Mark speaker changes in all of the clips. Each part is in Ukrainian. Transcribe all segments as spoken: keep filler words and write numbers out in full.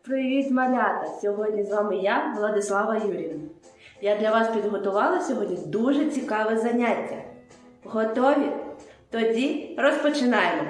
Speaker 1: Привіт, малята! Сьогодні з вами я, Владислава Юріївна. Я для вас підготувала сьогодні дуже цікаве заняття. Готові? Тоді розпочинаємо!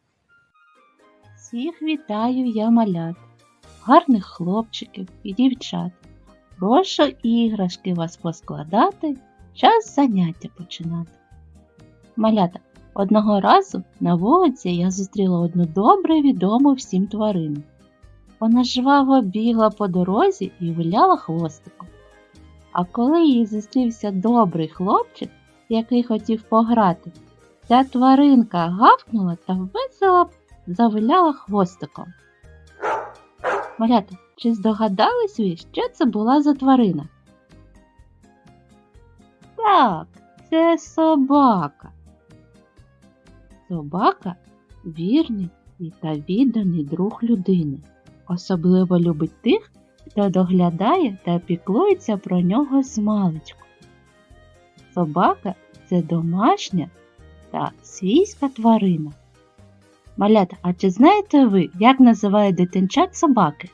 Speaker 2: Всіх вітаю я малят, гарних хлопчиків і дівчат. Прошу іграшки вас поскладати, час заняття починати. Малята, одного разу на вулиці я зустріла одну добре відому всім тварину. Вона жваво бігла по дорозі і виляла хвостиком. А коли їй зустрівся добрий хлопчик, який хотів пограти, ця тваринка гавкнула та весело завиляла хвостиком. Малята, чи здогадались ви, що це була за тварина? Так, це собака. Собака – вірний та відданий друг людини. Особливо любить тих, хто доглядає та піклується про нього змалечку. Собака – це домашня та свійська тварина. Малята, а чи знаєте ви, як називають дитинчат собаки?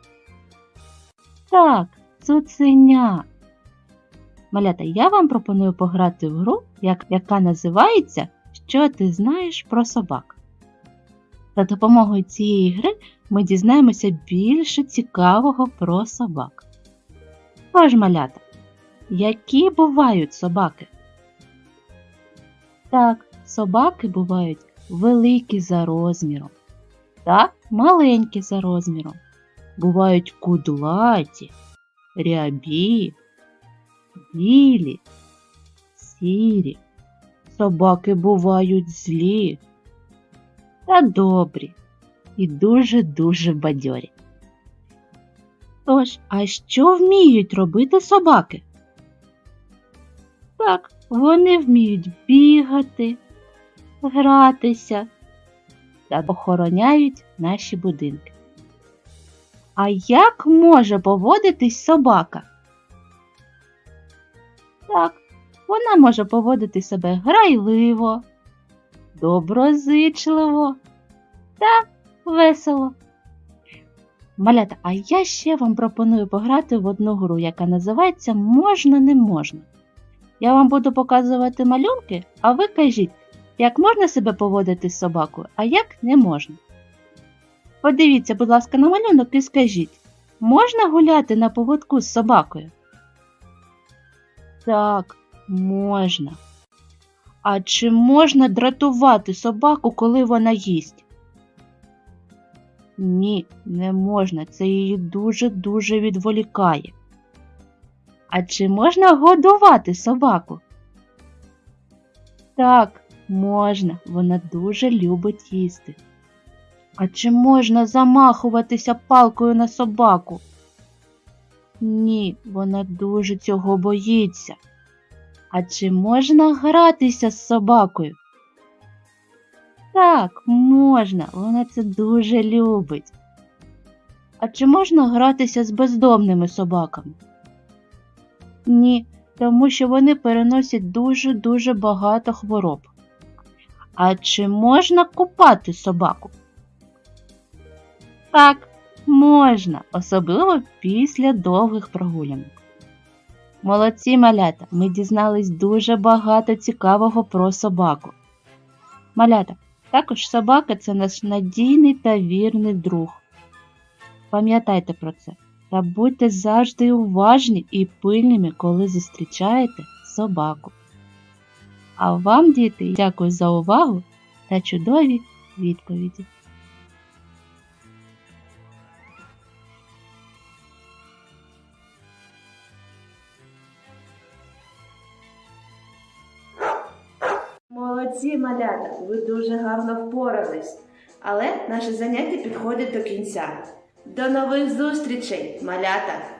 Speaker 2: Так, цуценя. Малята, я вам пропоную пограти в гру, як, яка називається «Що ти знаєш про собак?». За допомогою цієї гри ми дізнаємося більше цікавого про собак. Тож, малята, які бувають собаки? Так, собаки бувають великі за розміром та маленькі за розміром. Бувають кудлаті, рябі, білі, сірі. Собаки бувають злі та добрі і дуже-дуже бадьорі. Тож, а що вміють робити собаки? Так, вони вміють бігати, гратися та охороняють наші будинки. А як може поводитись собака? Так, вона може поводити себе грайливо, доброзичливо та весело. Малята, а я ще вам пропоную пограти в одну гру, яка називається «Можна-не можна». Я вам буду показувати малюнки, а ви кажіть, як можна себе поводити з собакою, а як не можна. Подивіться, будь ласка, на малюнок і скажіть, можна гуляти на поводку з собакою? Так, можна. А чи можна дратувати собаку, коли вона їсть? Ні, не можна, це її дуже-дуже відволікає. А чи можна годувати собаку? Так, можна, вона дуже любить їсти. А чи можна замахуватися палкою на собаку? Ні, вона дуже цього боїться. А чи можна гратися з собакою? Так, можна, вона це дуже любить. А чи можна гратися з бездомними собаками? Ні, тому що вони переносять дуже-дуже багато хвороб. А чи можна купати собаку? Так, можна, особливо після довгих прогулянок. Молодці, малята, ми дізнались дуже багато цікавого про собаку. Малята, також собака – це наш надійний та вірний друг. Пам'ятайте про це та будьте завжди уважні і пильними, коли зустрічаєте собаку. А вам, діти, дякую за увагу та чудові відповіді.
Speaker 1: Молодці, малята! Ви дуже гарно впорались. Але наше заняття підходить до кінця. До нових зустрічей, малята!